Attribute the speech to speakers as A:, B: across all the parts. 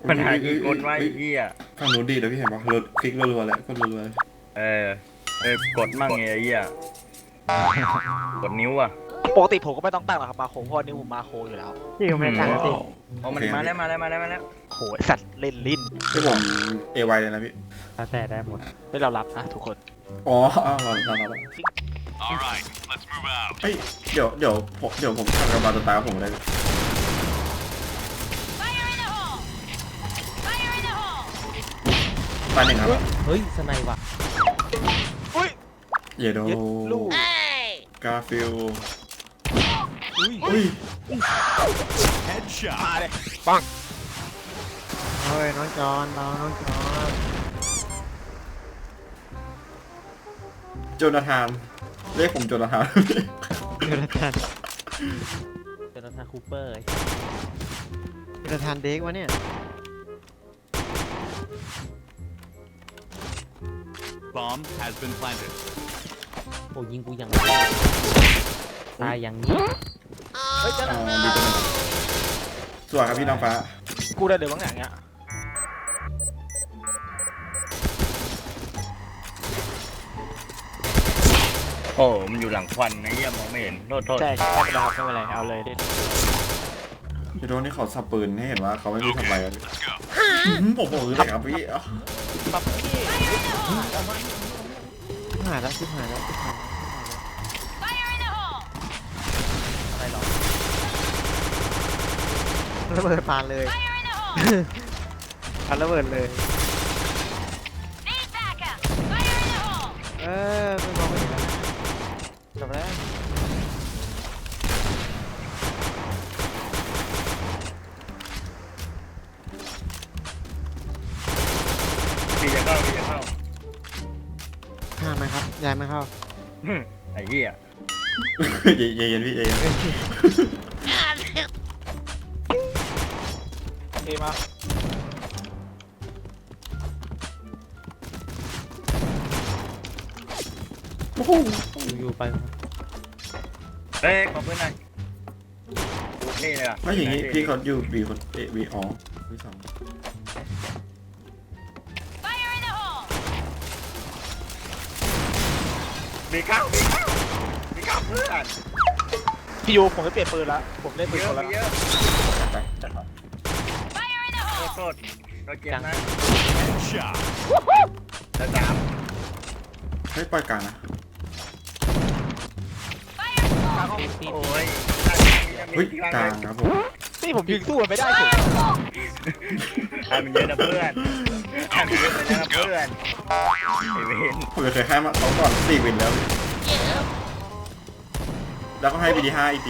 A: ปัญหาอีกคนว่าไอ้เหี้ย
B: ฝั่งนู้นดีนะพี่เห็นปะรถคลิกรัวๆแล้วก็รัวๆเลย
A: เออกดมั่งไงไอ้เหี้ยกดนิ้วอ่ะ
C: ปกติผมก็ไม่ต้องตั้งหรอกครับมาโคเพราะนี่ผมมาโคอยู่แล้ว
D: พี่ก็ไม่ตั้งสิ
A: เอามันมาแล้ว
C: โหไอ้สัตว์เล่นลิ้น
B: ที่ผมเอไวเลยนะพี่
D: แล้วแต่ได้หมด
C: ไม่เรารับนะทุกคน
B: อ๋อเราเฮ้ยเดี๋ยวผมทำกับบาตัวตายผมเลยตายหนึ่งครับ
D: เฮ้ยสไนว่ะ
C: อุ้ย
B: เยโด
C: เย็ดลูก
B: กาฟิล
C: อุ้ย
B: อุ้ย
C: มาเลยปัง
D: เฮ้ยน้องจอนน้องจอน
B: โจนาธานเรียกผมโจนาธาน
D: เจอทานเจอทานคูเปอร์เจอทานเด็กวะเนี่ย
E: Bomb has been planted.
D: โอ้ยิงกูอย่างตายอย่างนี้
C: เฮ้ยเจ้าห
B: อ๋
C: น้า
B: อดีจังเลยสวยครับพี่น้องฟ้า
C: กูได้เดี๋ยวบางอย่างเงี้ย
A: โอ้มันอยู่หลังควันไอ้เหี้ยมองไม่เห็นโทษ
C: ใช่ไม่เป็นไรครับไม่เป็นไรเอาเลยดิ
B: เยโดนี่เขาสับปืนให้เห็นว่าเขาไม่รู้ทำอะไรกันผมบอกเลยครับพี่
C: ปั๊บพี่
D: ชิบหายแล้วชิบหายแล้วชิบหายแล้ว
C: อะไรหรอ
D: ระเบิดปานเลยปานระเบิดเลยไม่มองไม่เห็นแล้วจบแล้ว
A: พี่จะเข้า
D: ห้ามไหมครับยายไม่เข้า
A: ไอ้เหี้ย
B: เย็นพี่เย็น
C: เอมา
B: โอ้โห
D: อยู่ไป
A: เฮ้ยขอบคุณหน่อยนี่เลยอ่ะ
B: ไม่อย่างนี้พี่เขาอยู่บีคนบีอ๋อบีสอง
A: มีเข้าเพื่อน
C: พี่ยูผมไม่เปลี่ยนปืนละผมเล่นปืน
A: เย
C: ค
A: อะ
C: นละ
A: เยอะ
B: ไปจัดไป
A: โทษเราเจ็บนะ
E: Shot.
A: ระดับ
B: ให้ปล่อยกลางนะ
A: โอ้ย
B: เฮ้ยกลางครับผม
C: นี่ผมยิงสู้มันไม่ได้เฉย
A: ทำเยอะนะเพื่อนทำเยอะนะเพื่อนไอ้เวน
B: ผมเคยให้มาเขาก่อน4 วินแล้วแล้วก็ให้บีดี5อีกที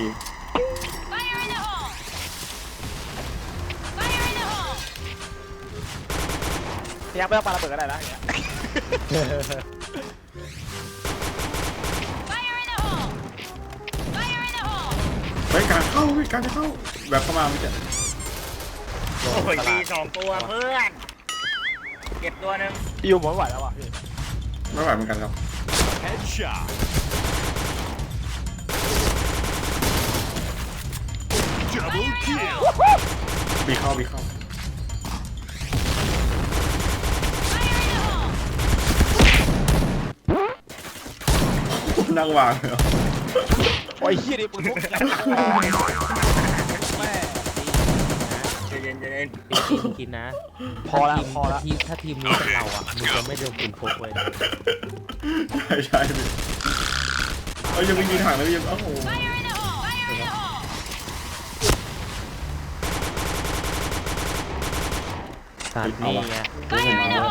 C: พยายามไม่ต้องปาระเบิดก็ได้นะอย่างเงี้ย
B: เฮ้ยกลางเข้าเฮ้ยกลางจะเข้าแบบเข้ามาไม่ใช่
A: โอ้ยมี2 ตัวเพื่อน เก็บตัวหนึ่ง
C: พี่ยูผมไม่ไหวแล้วว่ะพี่
B: ไม่ไหวเหมือนกันครับ
E: Headshot. Double kill.
B: บีเข้านั่งวางเลยเหรอ
C: โอ้ยเฮียนี่ปืนพกแม่
A: ใจเย็น
D: กินนะ
C: พอแล้วพอแล้ว
D: ถ้าทีมนี้เป็นเราอ่ะมึงจะไม่โดนปืนพกเลย
B: ใช่พี่เอ้ยยังไม่ยิงถังเลยยังโอ้โห
D: สารนี่ไง
B: ผมเอาแล้ว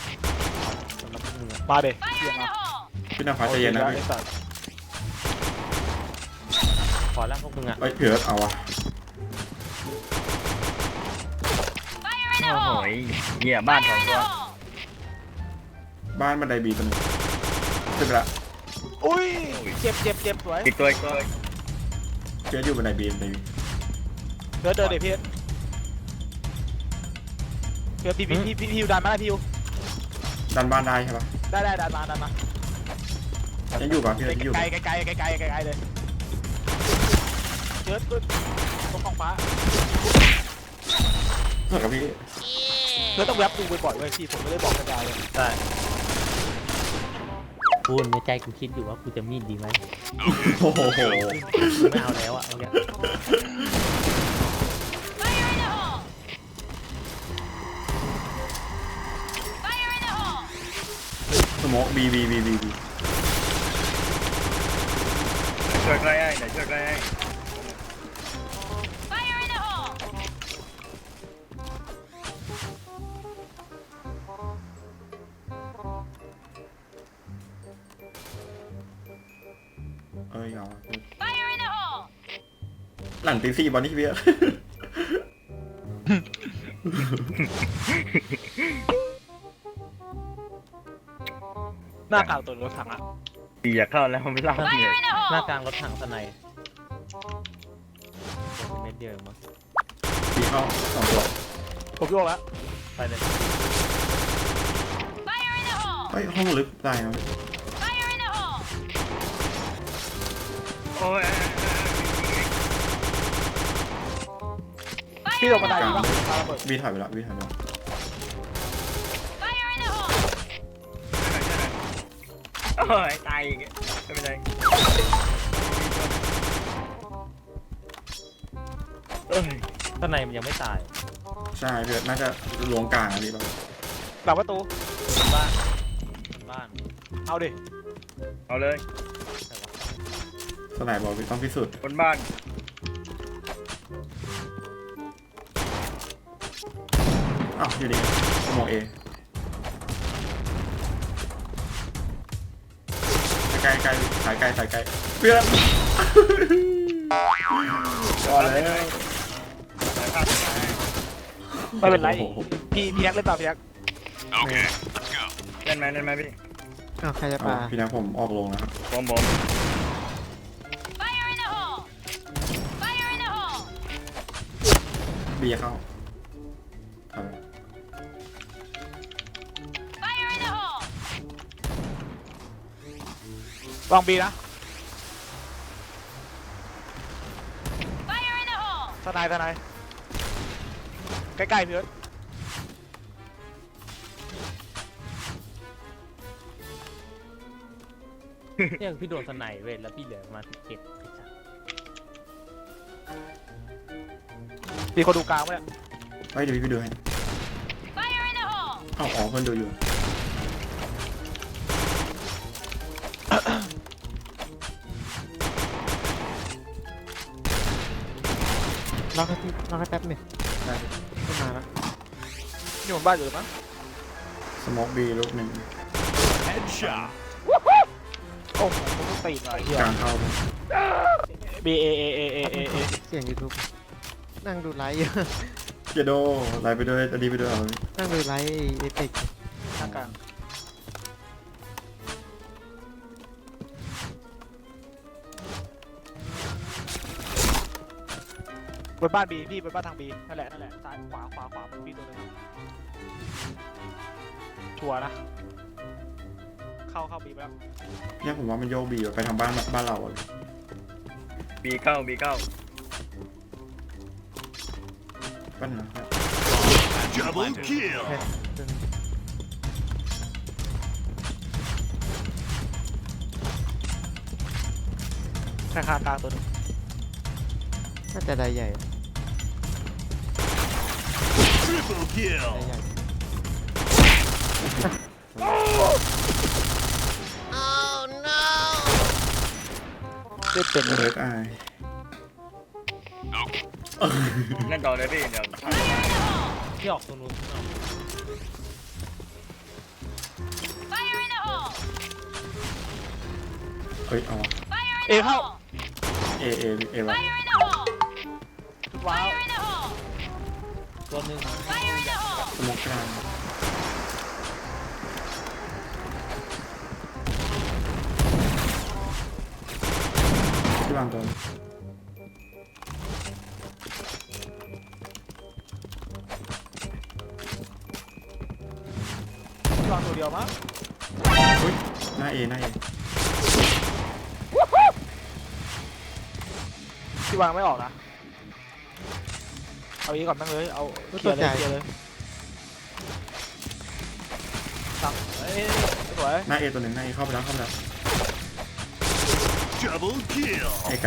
C: มาเด็เฮียมา
B: พี่น้ำฟ้าใจเย็นนะพี่
C: ไอ้สัตว์
D: ขอแล้วพวกมึงอ่ะ
B: เอ้ยเผื่อเอาวะ
A: โอ้โหเหี้ยบ้าน2 ตัว
B: บ้านบันไดบีตัวหนึงขึ้นไปละ
C: อุ้ยเจ็บสวย
A: อีกตัว
B: เจ๊อยู่บันไดบีบันไดบี
C: เดินเดี๋ยวพี่เดี๋ยวพี่ยูดันมาได้พี่ยู
B: ดันบ้านได้ใช่ปะ
C: ได้ดันมา
B: ยังอยู่ปะพี่ยังอยู่
C: ไกลเลยเยอะขึ้นตรงของฟ้า
B: เหมือนกับพี่
C: เธอต้องแวบดูบ่อยๆเว้ยพี่ผมไม่ได้บอกกระจายเลย
D: ใช่
F: กูในใจกูคิดอยู่ว่ากูจะมีดดีไหม
B: โอ้โห
F: กูไม่เอาแล้วอ่ะเอาแค่
B: สโมกบี
A: ช่วยใกล้ให้ไหนช่วยใกล้ให้
B: เอ้ยเอาหลังตีสี่บอลนี่พี่อะ
C: หน้ากลางตัวรถถังอะ
A: ปีอยากเข้าแล้วไม่เล่าเนี่ย
F: หน้ากลางรถถังสไนด์เม็ดเดียวเองมั้ง
B: บีเข้าสองตัว
C: ผมโยกแล้ว
F: ไปเลย
B: เฮ้ยห้องลึกได้นะ
A: โอ้ย
C: พี่ลงบันไดดีปะปาระเบิด
B: บีถ่ายไปแล้วบีถ่ายไปแล้ว
A: โอ้ยตายอีกไม่เป็นไรเอ้ย
F: สไนด์มันยังไม่ตาย
B: ใช่พี่น่าจะลวงกลางอะไรแบบ
C: หลังประตู
F: บ้านบ้าน
C: เอาดิ
A: เอาเลย
B: สไนบอลต้องพิสูจน์
A: บนบ้าน
B: อ้าวอยู่ดีสโมกเอไกลสายไกลเพื่อนก่อนเลย
A: สายภาพสาย
C: ไม่เป็นไร
B: โอ้โห
C: พี่แอ๊กเล่นต่อพี่แอ๊ก
E: Okay, let's go.
A: เล่นไหมพี่
D: อ้าวใครจะ
B: เอา
D: ปา
B: พี่นะผมออกลงนะครับ
A: ผม
B: บีเข้าทำ
C: ลองบีนะทนายใกล้ๆพี่เอิร์ธ
F: เนี่ยพี่โดนสไนด์เว้ยแล้วพี่เหลือประมาณ17
C: มีคนดูกลางไหมเนี่ย
B: เฮ้ยเดี๋ยวพี่ไปดูให้เอาอ๋อเพื่อนดูอยู่
D: ล็อกให้แป๊บหนึ่งได้ขึ้นมาแล้ว
C: อยู่บนบ้านอยู่หรือมั้ง
B: สโมกบีลูกหนึ่ง
E: Headshot.
C: โอ้โหผมต้องตีหน่อยเฮีย
B: กลางเข้าไป
C: B A A A A A A
D: เสียง YouTube นั่งดูไลฟ์อยู่
B: เจโดไลน์ไปด้วยอันนี้ไปด้วยเอา
D: นั่งดูไลฟ์เอพิก
C: ทางกลางบนบ้านบีพี่บนบ้านทางบีนั่นแหละซ้ายขวาพี่ตัวหนึงชัวร์นะ เข้าบีไปแล้ว
B: เนี่ยผมว่ามันโยกบีไปทางบ้านเราอะ
A: บีเข้า
B: ปั้นนะครับ
E: Double kill.
C: ข้างกลางตัวหนึง
D: น่าจะได้ใหญ่
E: Triple kill.
D: ได้ใหญ่
C: เล่นเป็น
B: เลิกอาย
A: เล่นต่อเลยพี่เดี๋ยว
F: พี่ออกตรงนู้นออก
B: เฮ้ยเอาวะ
C: เอเข้า
B: เอวะ
C: ว้าว
F: ตัวหนึ่ง
B: สโมกกลางที่วางตัว
C: วางตัวเดียวมั้ง
B: เฮ้ยหน้าเอ
C: ที่วางไม่ออกนะเอาอีกก่อนนั่งเลยเอาเคลียร์เลยเคลียร์เลยสั่งเอ้ยสวย
B: หน้าเอตัวหนึ่งหน้าเอเข้าไปแล้วเข้าไปแล้ว
E: Double kill.
B: เอไกล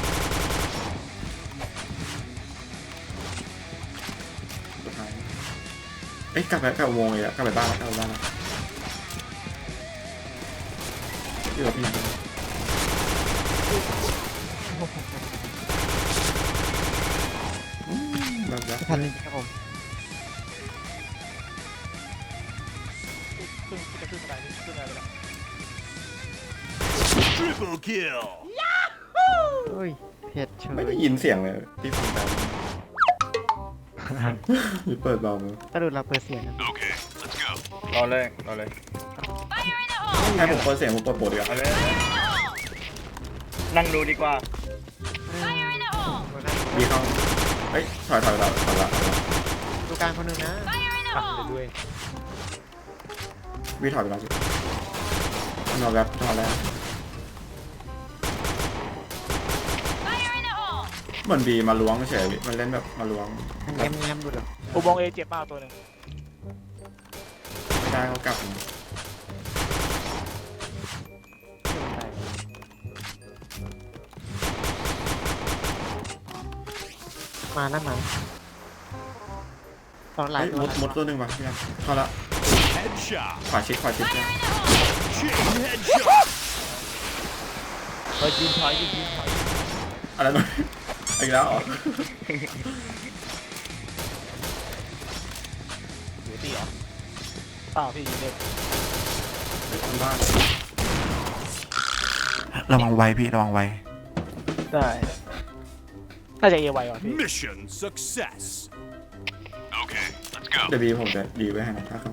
B: สุดท้ายเอ้ยกลับอุโมงค์เลยอะกลับไปบ้านแล้วกลับไปบ้านแล้วที่เราพี่ยังแบบแล้ว
D: ทันจริงครับผม
C: ขึ้นจะขึ้นอะไรนี่ขึ้นอะไรไปแล้ว
E: Triple kill.
D: เฮ้ยเผ็ดเฉ
B: ไม่
D: ย
B: ได้ยินเสียงเลยที่ฟังแต่หรือเปิดเบามือ
D: ตะลุดเราเปิดเสียงกัน
E: Okay, let's go.
A: รอเลยรอเลย
B: ให้ผมเปิดเสียงผมเปิดโปรดดีกว่า
A: เอาเลยนั่งดูดีกว่า
B: มีเข้าเอ้ยถอยละ
D: ดูกลางคนหนึ่งนะ
F: ปักไปด้วย
B: วีถอยไปแล้วสินอนแวบนอนแล้วเหมือนบีมาล้วงเฉยมันเล่นแบบมาล้วง
D: แง้มแง้มดูเดี๋ยว
C: อุโมงค์เอเจ็บมากตัวหนึ่ง
B: ไม่ได้เขากลับ
D: มานะมาตอนหลาย
B: เฮ้ย
D: ตัว
B: มดตัวหนึ่งว่ะพี่ครับเข้าละ
E: Headshot.
B: ขวาชิดเนี่ย
E: Chain headshot.
F: เฮ้ยยืนถอยยืนถอย
B: อะไรนะอีกแล้วเหรอ
F: หัวตีเหรอ
C: เปล่าพี่ยิงเด็ก
B: บ้านระวังไวพี่ระวังไว
C: ได้น่าจะเอไวว่ะพี่
E: Mission success. Okay, let's go.
B: เดี๋ยวบีผมจะดีไว้ให้นะถ้าเขา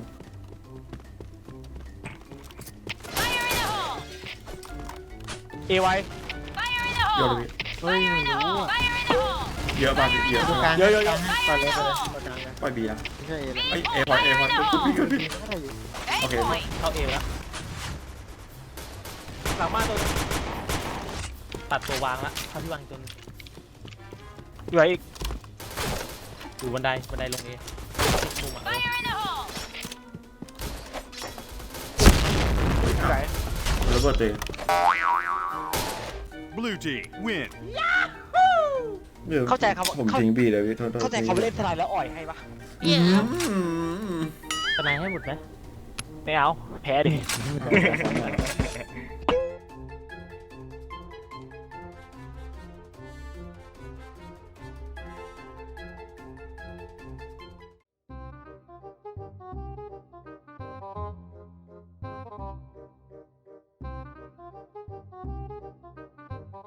C: เอไว
B: โยนเลย
D: เฮ้ยไม่รู้อะ
B: เยอะป่ะพี่เยอะ
D: ดูกลาง
C: เยอะ
D: ไปเลยไปเลยไปกลางเลย
B: ปล่อยบีนะ
D: ไม่ใช่เอเลย
B: เอ้ยเอพอพี่
D: ไม่ได้อยู่
B: โอเค
F: เข้าเอแล้ว
C: หลังบ้านตัวนึง
F: ตัดตัววางละเข้าที่วางจน
C: อยู่ไหนอีก
F: อยู่บันไดลงเอมุมอ่ะ
C: อยู่ไหน
B: ระเบิดตัวเอง
E: Blue team win.
C: เข้าใจครับ
B: ผมทิ้งบีเลยพี่โทษ
C: เข้าใจเขาไปเล่นทนายแล้วอ่อยให้ปะ
F: สไนให้หมดไหม
C: ไม่เอาแพ้ดิ